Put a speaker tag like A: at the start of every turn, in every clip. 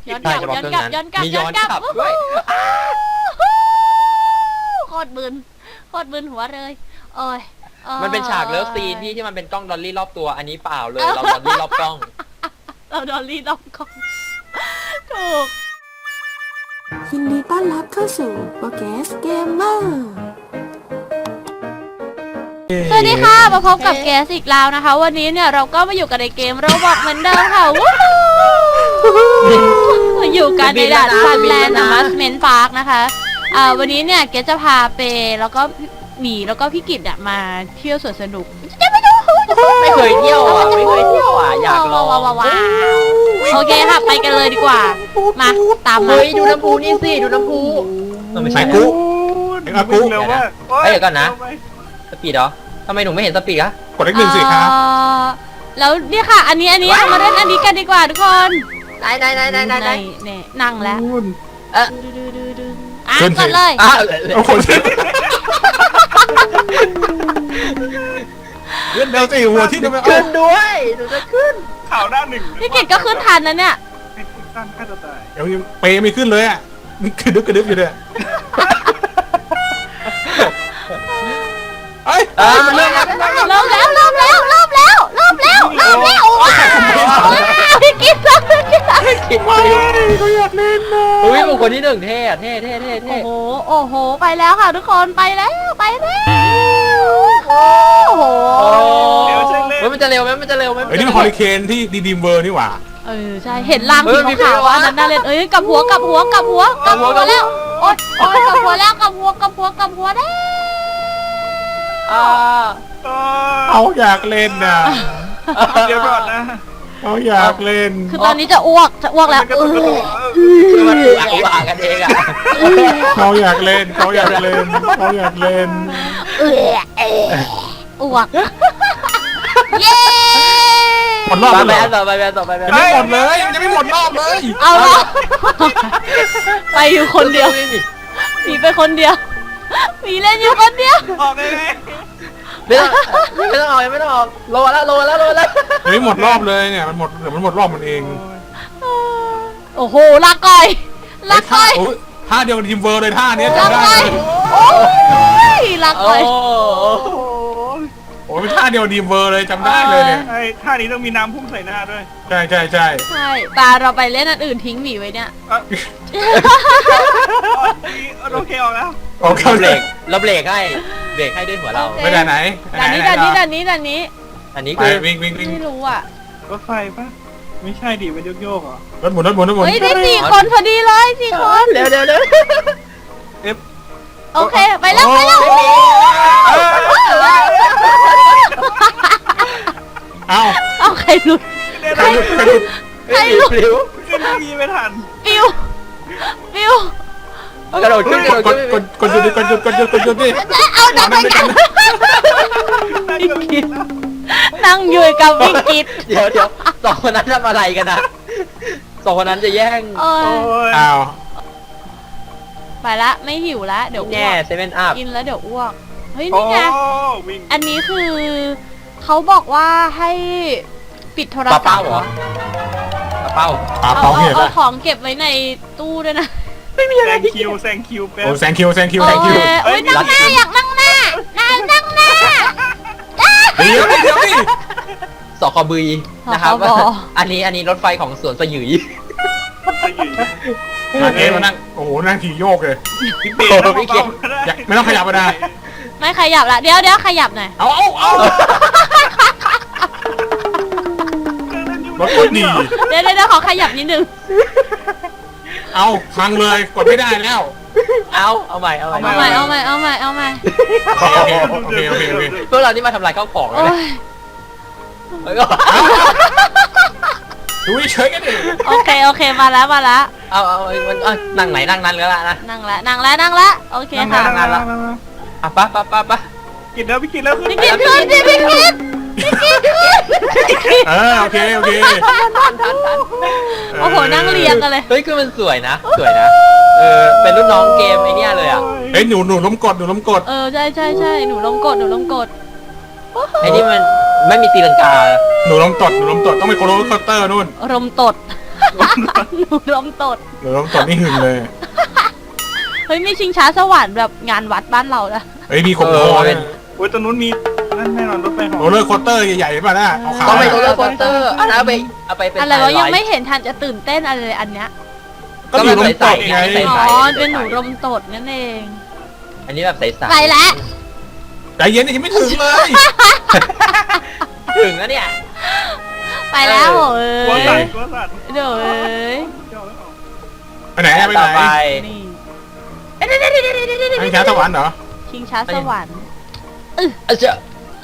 A: ย้อนกลับย้อนกลับย้อนกลับ
B: มีย้อนกลับด้วย
A: โคตรบึนหัวเลยโอ้ย
B: มันเป็นฉากเลิฟซีนที่มันเป็นกล้องดอลลี่รอบตัวอันนี้เปล่าเลยเราดอลลี่รอบกล้อง
A: เราดอลลี่รอบกล้องถูก
C: ยินดีต้อนรับเข้าสู่โปรแกรมเกมเมอร์
A: สวัสดีค่ะมาพบกับแกสอีกแล้วนะคะวันนี้เนี่ยเราก็มาอยู่กันในเกมโรบอทเหมือนเดิมค่ะวู้อยู่กันในด่านซันแลนด์มัสเมนต์พาร์คนะคะวันนี้เนี่ยเกสจะพาเปแล้วก็หมีแล้วก็พี่กิตเนี่ยมาเที่ยวสวนสนุก
B: ไม่เคยเที่ยวอ่ะอยากลอง
A: ว้าวโอเคค่ะไปกันเลยดีกว่ามาตามมา
B: เฮ้ยดูน้ำพุนี่สิดูน้ำพุไม่ใช่กุ๊ก
D: เร็วมาก
B: เดี๋ยวก่อนนะสปีดเหรอทำไมหนูไม่เห็นสปีดอะ
D: กดเลขหนึ่งสิครับ
A: แล้วเนี่ยค่ะอันนี้เอามาเล่นอันนี้กันดีกว่าทุกคน
B: ได้
A: นี่นั่งแล้ว
D: ขึ้นสิ
A: กดเลย
D: เอาคนเลื่อนเร็วสิหัวที่จะไปเอา
B: ขึ้นด้วยหนูจะขึ้น
D: ข่าวหน้าหนึ่ง
A: พี่กิตก็ขึ้นทันนะเนี่ย
D: ให้คุณตั้งค่าตัวตายเดี๋ยวยังเปย์ไม่ขึ้นเลยอ่ะมันกระดึ๊บอยู่เลยเอ้ย
B: เริ่มแล้ว
A: เริ่มแล้วพี่กิต
B: คิด
D: ไม่เขาอยากเล่นนะ
B: อุ้ยบุคคลที่หนึ่งเท่
A: โอ้โหไปแล้วค่ะทุกคนไปแล้วโอ้โห
D: เดี๋ยวเช็คเล่น
B: มันจะเร็วไหม
D: เฮ้ยนี่มันฮอริเคนที่ดีมเวอร์นี่หว่า
A: ใช่เห็นรางสีขาวอันนั้นน่าเล่นกลับหัวแล้วโอ๊ยกลับหัวแล้วกลับหัวได้
D: เขาอยากเล่นนะเดี๋ยวก่อนนะเขาอยากเล่น
A: คือตอนนี้จะอ้วกแล้ว
B: คือมันอ่ากันเองอ่ะ
D: เขาอยากเล่นอ้
A: วกเย้
D: หมดรอบ
B: ไป
D: แล้ว
B: ต่อไป
D: ยังไม่หมดเลยยังไม่หมดรอบเลย
A: เอาละไปอยู่คนเดียวหนีไปคนเดียวหนีเล่นอยู่คนเดียว
D: ออกเลย
B: ไม่ต้องออกโลแล้ว
D: ยังไม่หมดรอบเลยเนี่ยมันหมดเดี๋ยวมันหมดรอบมันเอง
A: โอ้โหลาก่อย
D: ท่าเดียวกับทีมเวอร์เลยท่านี้
A: ลา
D: จำได้
A: ก่อย
D: เลย
A: โอ้ยลาก่อย
D: โอ้ยเป็นท่าเดียวทีมเวอร์เลยจำได้เลยเนี่ย
E: ไอ้ท่านี้ต้องมีน้ำพุ่งใส่หน้าด้วย
D: ใช่
A: ใช่ตาเราไปเล่นอันอื่นทิ้งหมีไว้เนี่ย
E: โอเคออกแล้ว
D: โอเค
B: เราเบรกให้ด้วยหัวเรา
D: ไปไหน
A: ด่านนี้
B: อันนี้
D: ไป
B: คือ
D: วิ่ง
A: ไม่รู้อ่ะ
E: รถไฟปะไม่ใช่ดิมันโยกๆเหรอ
D: รถหมุน
A: เฮ้ยได้4 คนพอดีเลย4 คน
B: เร็ว
A: โอเคไปแล้ว เอาใครหลุด
D: ใครหลุด
B: ปลิว
E: ขึ้นทีไม่ทัน
A: ปิว
B: กระโดดขึ้น
D: กดหยุดดิ
A: เอาดับไปกันพี่กิตนั่งอยู่กับพี่กิต
B: เดี๋ยวสองคนนั้นทำอะไรกันนะสองคนนั้นจะแย่ง
A: โอ้ย
D: อ้าว
A: ไปละไม่หิวละเดี๋ยวอ้
B: แง่
A: วก
B: เซเว่นอัพ
A: กินแล้วเดี๋ยวอ้วกเฮ้ย
E: โอ้
A: นี่ไง
E: วิ่ง
A: อันนี้คือเขาบอกว่าให้ปิดโทรศัพท์
B: เป้าเหรอเป้า
D: ปา
A: เอา
D: เป้าเหี้ย
A: ของเก็บไว้ในตู้ด้วยนะ
E: แซงคิวแป๊บ
D: โอ้แซงคิว
A: โอ้ยนั่งหน้าอยากนั่งหน้านั่งหน้า
D: เดี๋ยวดิ
B: สคบนะครับอันนี้รถไฟของสวนสยุย
D: เอ๊ะมานั่งโอ้โหนั่งขี่โยกเลย
E: พี่เปย์ต้องเบาๆก็ได้
D: ไม่ต้องขยับก็ได้
A: ไม่ขยับละเดี๋ยวขยับหน่อย
D: เอารถกดหนี
A: เดี๋ยวขอขยับนิดนึง
D: เอาพังเลยกดไม่ได้แล้ว
B: เอาใหม่
A: เอาใหม่
D: โอเค
B: พวกเรานี่มาทำลายข้าวของเลย
A: โอ้
B: นะ
A: ย
B: แล้วก็
D: ดูเฉยกันดิ
A: โอเคมาแล้ว
B: เอานั่งไหนนั่งนั้นก็แล้วนะ
A: นั่งละโอเคค่ะ
B: อ่ะปะ
E: กินแล้วพี่กินแล้วขึ้น
A: พี่กิตขึ้นสิพี่กิต
D: โอเค
A: โอ้โหนั่งเรียงกันเลย
B: เฮ้ยคือมันสวยนะเป็นรุ่นน้องเกมไอเนี้ยเลยอ่ะ
D: เฮ้ยหนูล้มกด
A: ใช่หนูลงกด
B: ไอนี่มันไม่มีตีลังกา
D: หนูล้มตดต้องไปโคโรเคาน์เตอร์นู่น
A: รมตดหนูลมตด
D: เดี๋ยวตอนนี้หึงเลย
A: เฮ้ยมีชิงช้าสวรรค์แบบงานวัดบ้านเราละ
D: เฮ้ยมีขมคอเนี่ย
E: โอ้ยตรงนู้นมีนั่นแน่นอนรถไฟเหาะ
D: โรลเลอร์โคสเตอร์ใหญ่ๆป่ะน่ะขาว
B: ต้องไป
D: ๆ
B: โรลเลอร์โคสเตอร์เอาไปเป็น
A: อะไรวะยังไม่เห็นทันจะตื่นเต้นอะไรเลยอันเนี้ย
D: ก็อยู่ตรงตกไง
A: อ๋อเป็นหนูลมตดนั่นเอง
B: อันนี้แบบใสๆ
A: ไปแล้ว
D: ใจเย็นยังไม่ถึงเลย
B: ถึงแล้วเนี่ย
A: ไปแล้วโอ้
E: กลัวย สัตว์
A: เดี๋ยวเอ้ย
D: ไปไหนอะไปไห
B: ต่อน ไป
A: นี่
D: ให้ช้าสวรรค์เหรอ
A: ชิงช้าสวรรค์
B: เจ้า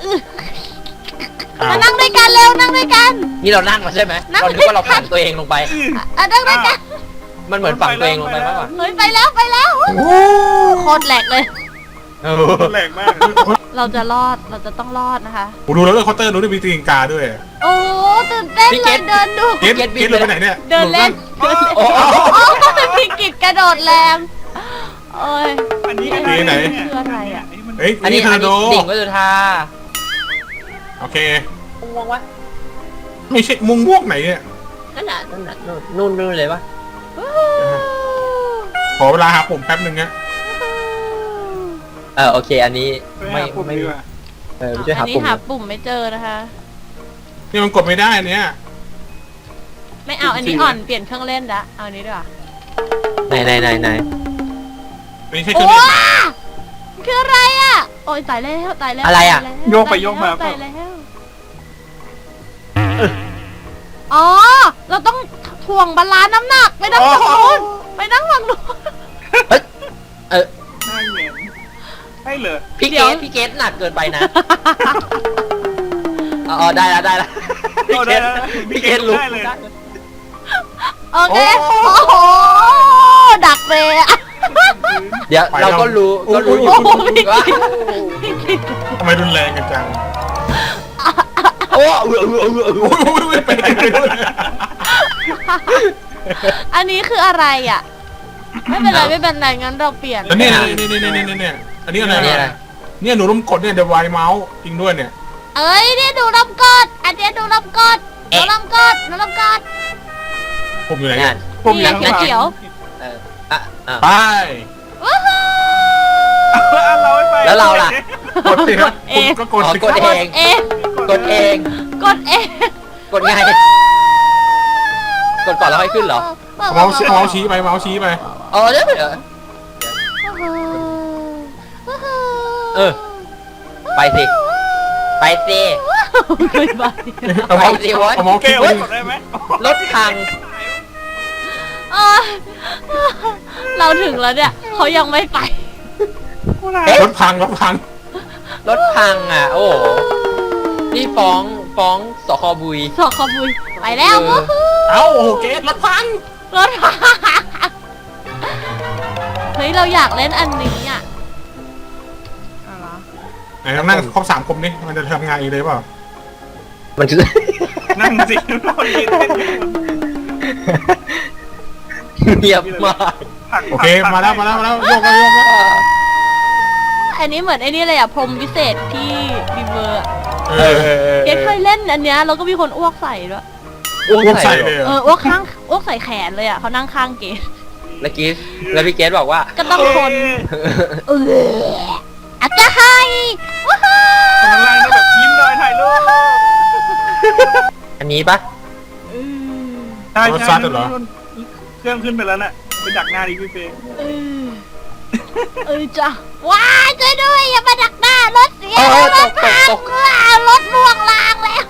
D: อ้าว
A: มานั่งด้วยกันเร็วนั่งด้วยกัน
B: นี่เรานั่งมาใช่ไหม
A: นั่ง
B: เราคิดว่าเราฝังตัวเองลงไป
A: นั่งด้วยกัน
B: มันเหมือนฝังตัวเองลงไปมากกว่า
A: เฮ้ยไปแล้วโคตรแหลกเลย
E: รถแรงมาก
A: เราจะรอดเราจะต้องรอดนะคะ
D: กูดูโรลเลอร์โคสเตอร์รู้ด้วยมีตีนกาด้วย
A: โอ้ตื่นเต้นเลยเดินดู
D: เกตเลยไปไหนเนี่ย
A: เดินเล่น
B: โอ้โห
A: โอ้เป็นพิกิจกระโดดแรงโอ้ย
E: อันนี้
A: คืออะไรอะ
D: เฮ้ย
B: อันนี้
D: เทอร์โด
B: ดิ่งก็จะทา
D: โอเค
B: ม่วงวะ
D: ไม่ใช่มุงม่วงไหนเนี่ย
B: นั่นน่ะนู่นเลยวะ
D: ขอเวลาหาปุ่มแป๊บหนึ่งนะ
B: โอเคอันนี้
E: ไม่
B: ไม่
E: ดีกว่า
B: ไม่ช่วย
A: อั
B: หาน
A: นี้
B: ปุ่ม
A: หาปุ่มไม่เจอนะคะ
D: นี่มันกดไม่ได้เนี่ย
A: ไม่เอาอันนี้อ่อนเปลี่ยนเครื่องเล่นละเอาอันนี้ดีกว่า
B: ไหน
D: ไม่ใช่เครื่
A: โอ้
D: องเล่น
A: คืออะไรอ่ะโอ้ยตายแล้วตายแล้ว
B: อะไรอ่ะ
A: ตายแล้ว
E: โยกไปโยกมา
A: ตายแล้วอ๋อเราต้องถ่วงบาลานซ์น้ำหนักไปนั่งฝั่งนู้นไปนั่งฝั่งนู้น
E: น่าเหงียนให้เลย
B: พี่เกตหนักเกินไปนะอ๋อได้แล้วพี่เกตรู้
E: ได้เลย
A: โอเคโอ้โหดักเลยอ่ะ
B: เดี๋ยวเราก็รู้อยู่
A: โอ้โหพี่
B: ว่า
A: กิต
D: ทำไมรุนแรงกันจัง
B: โอ้
D: โอ้ยไปไหนไม่รู้
A: อันนี้คืออะไรอ่ะไม่เป็นไรงั้นเราเปลี่ยน
D: แล้วเนี่ยเนี่ยอันนี้อะไรเนี่ยหนูล้มกดเนี่ยเดี๋ยวไวเมาส์จริงด้วยเนี่ย
A: เอ้ยเนี่ยดูลำกดอันเนี้ยดูลำกดดูลำกดดูลำกด
D: ผมอยู่ไหน
B: นั่น
E: ผม
A: นี่
E: ยัง
A: เขียว
D: ไป
A: ว้าว
E: เราไม่ไป
B: แล้วเราล่ะ
D: กดสิครับก็กดสิ
B: กดเอง
A: เอง
B: กดเอง
A: กดเอง
B: กดไงกดก่อนแล้วค่อยขึ้นเหรอ
D: เมาส์ชี้ไปเมาส์ชี้ไป
B: อ๋อเดี๋ยวไปสิ
A: ไม่ไป
D: เอาเมาส์
E: เก
D: คลิก
E: ล
D: ไป
E: กดได้ไหม
B: รถพัง
A: เราถึงแล้วเนี่ยเขายังไม่ไป
D: รถพัง
B: รถพังอ่ะ โอ้โหนี่ฟ้องสคบุย
A: สอกขบุยไปแล้ว
D: เอ้าโอ้โหเกตรถพัง
A: รถเฮ้ยเราอยากเล่นอันนี้อ่ะ
D: ไหนนั่งครบ3 คนนี่มันจะทำงานอีกเลยเปล่า
B: มันคือ
E: นั่งสิเราเล่น
B: เงียบมาก
D: โอเคมาแล้วโยกแล้ว
A: อันนี้เหมือนไอ้นี่เลยอ่ะพรหมวิเศษที่รีเวอร์ เกดเคย
B: เ
A: เล่นอันเนี้ยแล้วก็มีคนอ้วกใส่ด้วย
B: อ้วก
D: อ้วก
B: ใส่
D: ใส่
B: เล
D: เลย ย
A: อ้วกข้างอ้วกใส่แขนเลยอ่ะเขานั่งข้างเกด
B: แล้วพี่เกสบอกว่า
A: ก็ต้องคนอาจจะให้ว้าว
E: ข้างล่างต้องแบบยิ้มหน่อยถ่ายรูป
B: อันนี้ปะ
E: ใช่เครื่องขึ้นไปแล้วน่ะไปดักหน้าดิพี่เฟย์
A: จ้ะว้ายช่วยด้วยอย่ามาดักหน้ารถเสียรถพังรถล่วงลางแล้ว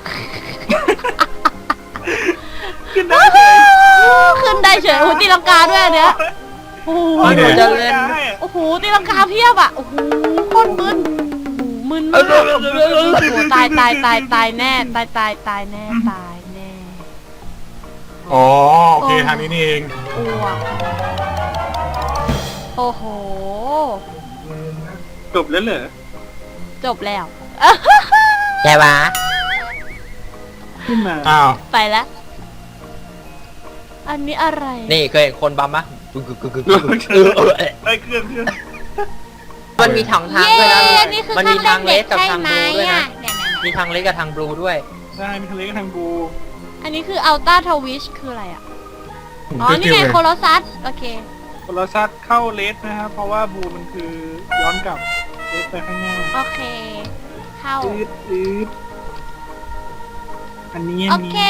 E: ขึ้นได้เลย
A: ขึ้นได้เฉยโอ้โหตีลังกาด้วยอันเนี้ยโอ้โห
B: จะเล่น
A: โอ้โหตีลังกาเพียบอ่ะโอ้โหโคตรมึนมึนมากตายแน่ตายแน่
D: อ๋อโอเคทางนี้นี่เอง
A: อ้วกโอ้โห
E: จบแล้วเหรอ
A: จบแล้ว
B: แกวะ
E: ขึ้นมา
D: อ้าว
A: ไปแล้ว อันนี้อะไร
B: นี่เคยเห็นคนบัมปะ
E: ไอ้เครื่อง
B: มันมีทางด้วยนะ
A: นี่คือ
B: มันมีทางเลสกับทางบลูด้วยนะ
A: เนี่ย
B: มีทางเลสกับทางบลูด้วย
E: ใช่มีทะเลกับทางบู
A: อันนี้คืออัลต้าทวิชคืออะไรอ่ะอ๋อ นี่ไงโคโลซัส โอเค
E: โทรศัพท์เข้าเลสนะครับเพราะว่าบูมันคือย้อนกลับเลสไปข้างหน้า
A: โอเค เข้า
E: อืดอันนี้
A: โอเค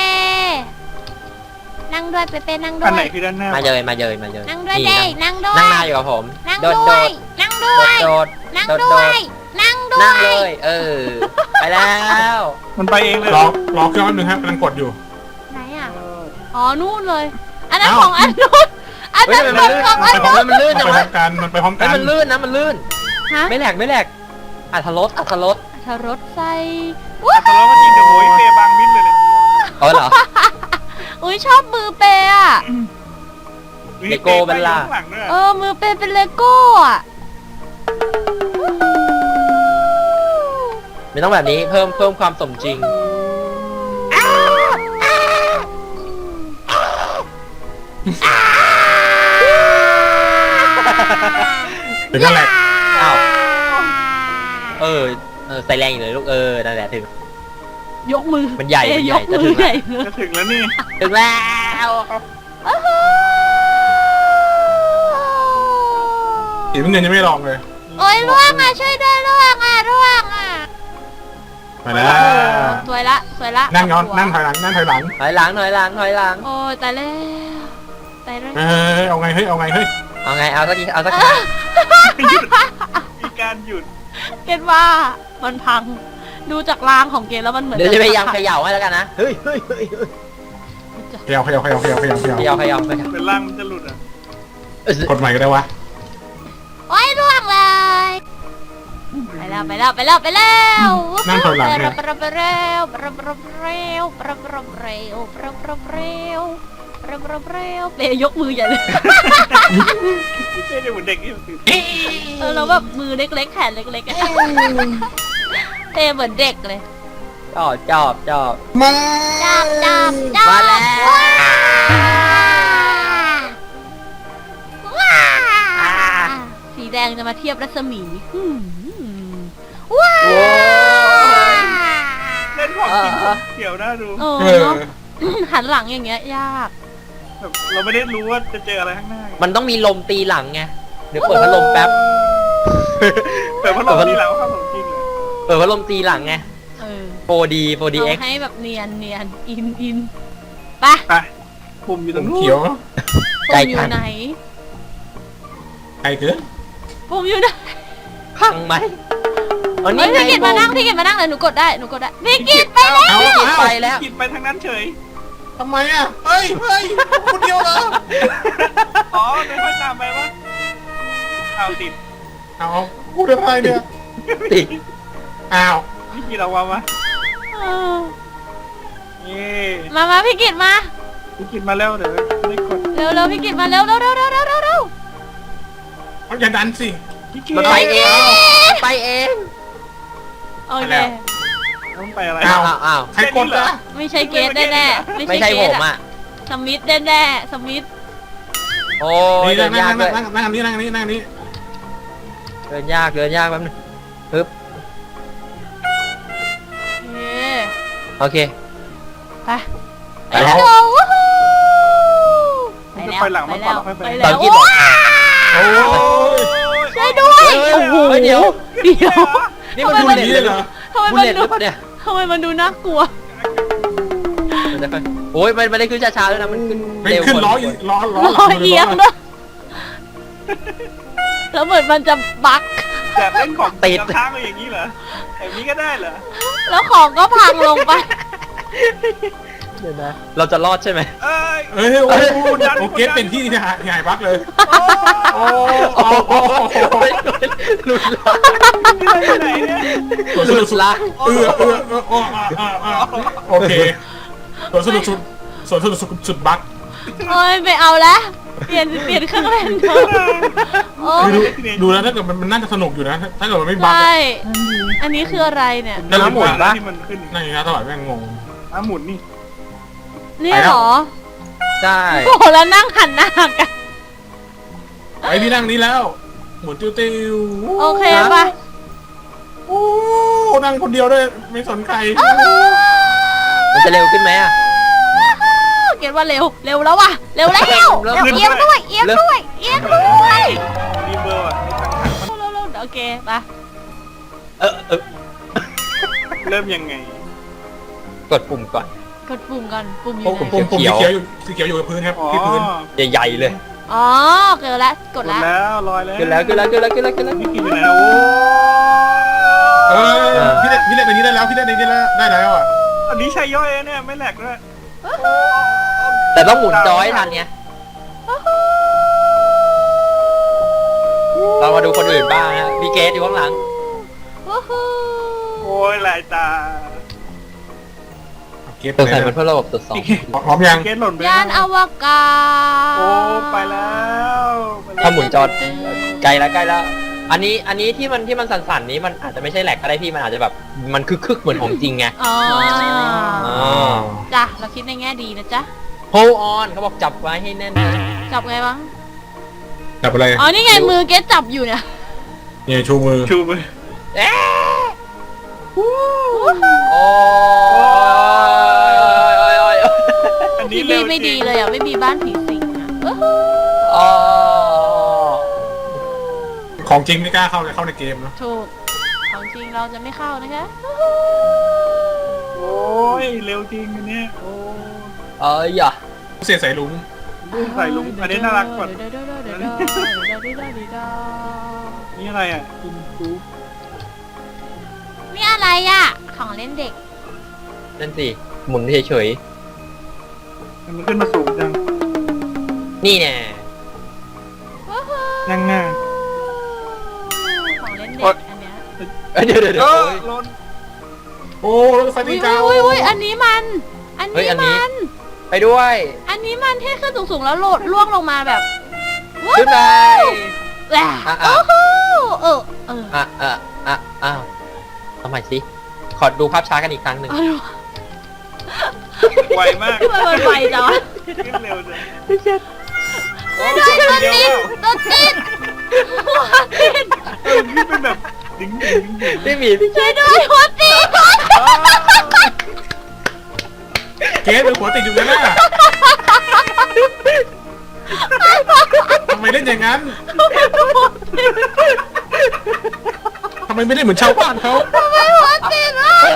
A: นั่งด้วยเป๊ะๆนั่งด้
E: อัน
A: ว
E: ไหน
A: ย
E: คือด้านหน้า
B: มาเลยมาเลย
A: นั่งด้วย
B: นี่
A: เด้นั่งด้วย
B: นั่งหน้าอยู่กับผม
A: นั่ง
B: โดด
A: ด้วย นั่งด้วย
B: โดด
A: นั่ง
B: โดด
A: ด้วย นั่งด้
B: นั่ง
A: ว
B: เลย ย ไปแล้ว
E: มันไปเองเลย
D: รอเครื่องแป๊บนึงครับกำลังกดอยู่
A: ไหนอ่ะ
E: เออ
A: อ๋อ นู่นเลย อันนั้น
D: เอ้า
A: ของอันนู้นอัน
B: เฮ้ย
A: นั้น
B: ทำไม
A: ของ
B: มันลื่น
A: อันนู้น
B: มันลื่น
D: มัน
B: จัง
D: ไปพร้
B: วะ
D: อมกันมันไปพร้อมกั
B: เฮ้ย
D: น
B: มันลื่นนะมันลื่น
A: ฮะ
B: ไม่แหลกอัธรส
A: ทรสใส่
E: แต่เราก็จริงเดี๋ยวโวยเปบางมิดเลยเนี่ย
B: เอาเหรอ
A: อุ้ยชอบมือเปย์อ่ะ
B: เลโก้เป็นล่ะ
E: ข้างหลังด้วย
A: มือเปย์เป็นเลโก้อ่ะ
B: ไม่ต้องแบบนี้เพิ่มความสมจริง
D: เดี๋ยวก็แหลก
B: อ้าวใส่แรงอยู่เลยลูกนั่นแหละถึง
A: ยกมือ
B: มันใหญ่
A: เปย์
B: มันให
A: ย
B: ญ่
A: กมือ
B: จะถึง
A: ใหญ่
B: แล้ว
A: เลย
E: จะถึงแล้วนี่
B: ถึงแล้ว
D: สีน้ำเงินยังไม่ลองเลย
A: โอ้ยร่วงอ่ะช่วยด้วยร่วงอ่ะร่วงอ่ะ
D: ไปแล้ว
A: สวยละสวยละ
D: นั่งย้อนนั่งถอยหลังนั่งถอยหลัง
B: ถอยหลัง
A: โอ้ยตายแล้วตายแล้ว
D: เฮ้ยเอาไงเฮ้ยเอาไงเฮ้ย
B: เอาไงเอาสักที
E: มีการหยุด
A: เกณฑ์ว่ามันพังดูจากรางของเกณฑ์แล้วมันเหมือน
B: เดี๋ยวจะพยายามเขย่าให้แล้วกันนะเฮ้ย
D: เขย่า
E: เป็นร่างมันจะหลุดอ่ะ
D: กดใหม่ก็ได้วะ
A: โอ้ยร่วงเลยไปแล้ว
D: นั่งถอยหลังเนี่ย
A: ไปเร็วเปย์ยกมือใหญ่เลย
E: ไม่ใช่เด็กเหมือนเด็กที่ตื่น
A: แล้วแบบมือเล็กๆแขนเล็กๆอะเปย์เหมือนเด็กเลย
B: จอบ
D: มา
A: จับ
B: มาแล้ว
A: ว้าสีแดงจะมาเทียบรัศมีว้า
B: โอ้ย
E: เล่นของจริงเกี่ยวน่าดู
A: เนาะหันหลังอย่างเงี้ยยาก
E: แบบเราไม่ได้รู้ว่าจะเจออะไรข้างหน้า
B: มันต้องมีลมตีหลังไงเดี๋ยวเปิดพัดลมแป๊บ
E: แต่พัดลมนี่แหละว่าเข้าของจริงเลย
B: เปิดพัดลมตีหลังไง 4D
A: เอา
B: 4DX
A: ให้แบบเนียนอินไป
E: ไปปุ่มอยู่ตรงนู้น
D: เขียว
B: ใจ
A: ปุ่มอยู่ไหน
D: ใครคือ
A: ปุ่มอยู่ไหน
B: พังไหมอัน
A: เฮ้
B: นี้
A: ยพี่กิตมานั่งเลยหนูกดได้พี่กิตไปแล้ว
D: เอา
B: ไปแล้ว
E: กินไปทางนั้นเฉย
D: ทำไมอ่ะเฮ้ยคนเดียวเหรอ
E: อ๋อไม่ค่อยตามไปวะเอาติด
D: เอาพูดอะไรเนี่ย
B: ติด
D: อ้าว
E: นี่กี่เราวะมาเย่
A: มาพี่กิตมา
E: พี่กินมาแล้วเดี๋ยวได้กด
A: เร็วพี่กิตมาเร็ว
D: มันอย่าดันสิ
E: พี่กิน
B: มันไปเองไปเอง
A: โอเค
E: ต้องไปอะไร
B: อ้าว
D: ใครกดอ่ะ
A: ไม่ใช่เกตแน่ๆ
B: ไม่ใช่ผมอ่ะ
A: สมิธแน่ๆสมิธ
B: โอ้ย
D: นี่
B: เดินยากด้วย
D: นั่งอันนี้นั่งอันนี้นั่งอันนี้
B: เดินยากแป๊บนึงปึ๊บโอเค
A: ไป
B: ไปแล้ว
E: จะไปหลังมาก่อนแล้วค่อยไป
B: ตอนคิดบอก
D: โอ้ย
A: ช่วยด้วย
B: โอ้โหเดี๋ยว นี่มันบุลเลต
D: นี่
B: เลย
D: เหรอ
A: ทำไม
B: บุล
A: มัน
B: เลตห
A: ดู
B: รือเปล่าเนี่ย
A: ทำไมมันดูน่ากลัว
B: มันจะค่อยโอ้ยมันไม่ได้ขึ้นช้าๆด้วยนะมันขึ้น
D: ไม่
B: เร็ว
D: ขึ้น
B: กว่า
D: ล้ออีกล้อ
A: รอเอียงด้วยแล้วเหมือนมันจะบั๊ก
E: แต่เล่นของติดค้างไปอย่างนี้เหรอแบบนี้ก็ได้เหรอ
A: แล้วของก็พังลงไป
B: เดี๋ยวนะเราจะรอดใช่ไหม
E: เอ้ย
D: เอ้ยโอ้โอเคเป็นที่ที่หายบักเลยโอ้
B: หลุดละ
E: ที่ไหนเนี่ย
B: หลุดละ
D: โอเคส่วนสนุกสุดบัก
A: โอ้ยไม่เอาแล้วเปลี่ยนเครื่องเล่นเถอะโอ้
D: ดูแล้วถ้าเกิดมันน่าจะสนุกอยู่นะถ้าเกิดมันไม่บัก
A: ใช่อันนี้คืออะไรเนี่ย
B: น้ำหมุนปะ
E: ที่มันขึ้น
D: นั่นอย่างนี้ตลอดแม่งงง
E: น้ำหมุนนี่
A: นี่เหรอ
B: ใช่
A: โอ้โหแล้วนั่งหันหน้ากัน
D: ไอพี่นั่งนี้แล้วหมุนติ้ว
A: โอเคป่ะ
D: โอ้นั่งคนเดียวด้วยไม่สนใคร
B: มันจะเร็วขึ้นไหมอ่ะ
A: เกกดว่าเร็วแล้วว่ะเร็วแล้วเอียงด้วยเอียงด้วย
E: รีเบอร์อ่ะ
A: เร็วโอเคไป
E: เริ่มยังไง
B: กดปุ่มก่อน
A: กดปุ่มก่อนปุ่มอยู่
B: ปุ่ม
A: ไหน
D: ปุ่ม
B: เขี
D: สี
B: ยว
D: เขียวอยู่กับพื้นครับ
E: อ๋อ
D: ที่พื้น
B: ใหญ่ๆเลย
A: อ๋อเกิดแล้วก
E: ก
A: ด
E: ด
A: แล้ว
E: แล้วลอยแล้ว
B: ขึ้นแล้ว
E: พี่กินอยู่ไหนแล้วโอ้
D: พี่เล่นในนี้ได้แล้วพี่เล่นในนี้ได้แล้วอ่ะ
E: อันนี้ใช้ย่อยเนี่ยไม่แหลกด้วย
B: แต่ต้องหมุนจอให้ทันไงเรามาดูคนอื่นบ้างนะพี่เกสอยู่ข้างหลัง
A: วู้ฮู้
E: โอ้ยลายตา
D: เก็บ
B: สงสัยมันเพื่อระบบตรวจสอบ
D: พร้อมยัง
E: เกตหล่นไป
A: ยานอวกาศ
E: โอ้ไปแล้ว
B: ถ้าหมุนจอใกล้แล้วอันนี้ที่มันสั่นๆนี้มันอาจจะไม่ใช่แหลกก็ได้พี่มันอาจจะแบบมันคึกเหมือนของจริงไง
A: อ๋อ
B: อ๋อ
A: จ้ะเราคิดในแง่ดีนะจ๊ะ
B: hold on เขาบอกจับไว้ให้แน่นนะ
A: จับไงวะ
D: จับอะไร
A: อ๋อนี่ไงมือเกสจับอยู่เนี่ย
D: เนี่ยชูมือ
E: ชูมือ
B: เอ๊ะโอ้ ย
E: อันนี้
A: พี่
E: เร็
A: บี
E: ว
A: ไม่ดีเลยอ่ะไม่มีบ้านผีสิงอ่ะวู้ฮู้
B: อ๋อ
D: ของจริงไม่กล้าเข้าในเกมเนาะ
A: ถูกของจริงเราจะไม่เข้านะคะ
E: โอ้ยเร็วจริงอันเนี้ยโอ้
B: อย่า
D: เสียสายลุง
E: ใส่ลุงอันนี้น่ารักกว่านี่อะไรอ่ะอินฟู
A: นี่อะไรอ่ะของเล่นเด็ก
B: นั่นสิหมุนเฉย
E: มันขึ้นมาสูงจัง
B: ๆนี่แน่
A: วู้ฮู้
E: นั่งหน้า
A: ของเล่นเด็กอันเนี้ย
B: เดี๋ยว
E: เออ
B: โอ้ย
E: ลน
D: โอ้รถไฟ
A: อุ้
D: ตี
A: ย
D: เก่า
A: อุ้ยอันนี้มัน
B: เฮ้ยอันนี้ ไปด้วย
A: อันนี้มันที่ขึ้นสูงๆแล้วโหลดล่วงลงมาแบบ
B: ขึ้นไป
A: แหละ
B: อ่ะ
A: โอ้โหเออ
B: อ้าวเอาใหม่สิขอดูภาพช้ากันอีกครั้งหนึ่ง
A: เอาดู
E: ไวมาก
A: ทำไมมันไวจังวะ
E: ขึ้นเร็วจัง
A: โอ้ยตัวติดตัวติดหัวติด
E: นี่เป็นแบบดึง
B: ไม่มีพี่
A: ช่วยด้วยหัวติด
D: เกสเป็นหัวติดอยู่นั่นน่ะทำไมเล่นอย่างนั้นทำไมไม่ได้เหมือนชาวบ้านเขา
A: ทำไมหัวติดวะ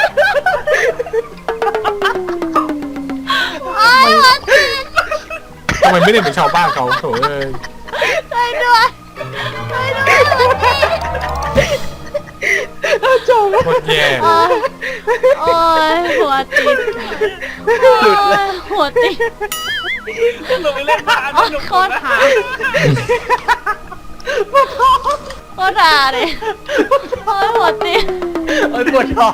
A: โอ้ยหัวติด
D: ทำไมไม่ได้เหมือนชาวบ้านเขาโถ่เอ้ย
A: ช่วยด้วยช่วยด้วยหัวติด
D: โคตรแย่
A: โอ้ยหัวติดหัวติด
E: ลงไปเล่นบ้าน
A: โอ้ยโคตรหาโคตรหาเลยโอ้ยหัวติด
B: โอ้ยปวดท้อง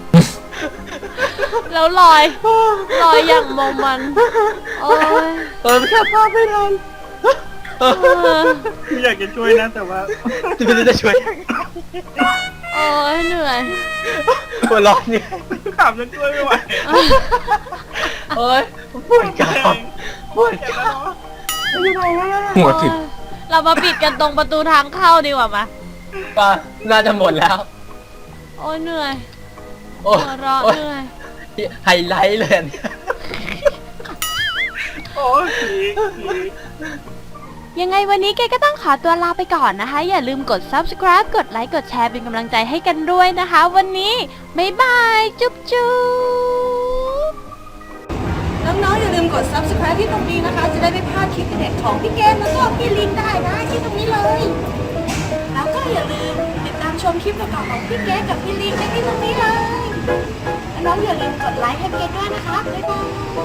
A: แล้วลอยอย่างมองมันโอ้ย
B: ไม่ชับภาพไม่ทัน
E: อยากจะช่วยนะแต่ว่า
B: ไม่รู้จะช่วย
A: โอ้ยเหนื่อย
B: หัวร้อนเนี่ย
E: ขับจนช่วยไม่ไหว
B: โอ้ยปวดกรามปวดกราม
D: หัวติด
A: เรามาปิดกันตรงประตูทางเข้าดีกว่ามา
B: ป่ะน่าจะหมดแล้ว
A: โอ้ยเหนื่อย
B: โอ้
A: หัวเราะ
B: โอ้ย
A: เหนื่อย
B: ไฮไลท์เลยอันเนี่ย
E: โอ้ยผี
A: ยังไงวันนี้เกก็ต้องขอตัวลาไปก่อนนะคะ อย่าลืมกด subscribe กดไลค์กดแชร์เป็นกำลังใจให้กันด้วยนะคะ วันนี้บ๊ายบายจุ๊บจุ๊บ
C: น้องๆอย่าลืมกด subscribe ที่ตรงนี้นะคะ จะได้ไม่พลาดคลิปเด็ดของพี่เกมแล้วก็พี่ลิงได้นะที่ตรงนี้เลย แล้วก็อย่าลืมติดตามชมคลิปเก่าๆของพี่เกมกับพี่ลิงได้ที่ตรงนี้เลย น้องๆอย่าลืมกดไลค์ให้เกมด้วยนะคะ บ๊ายบาย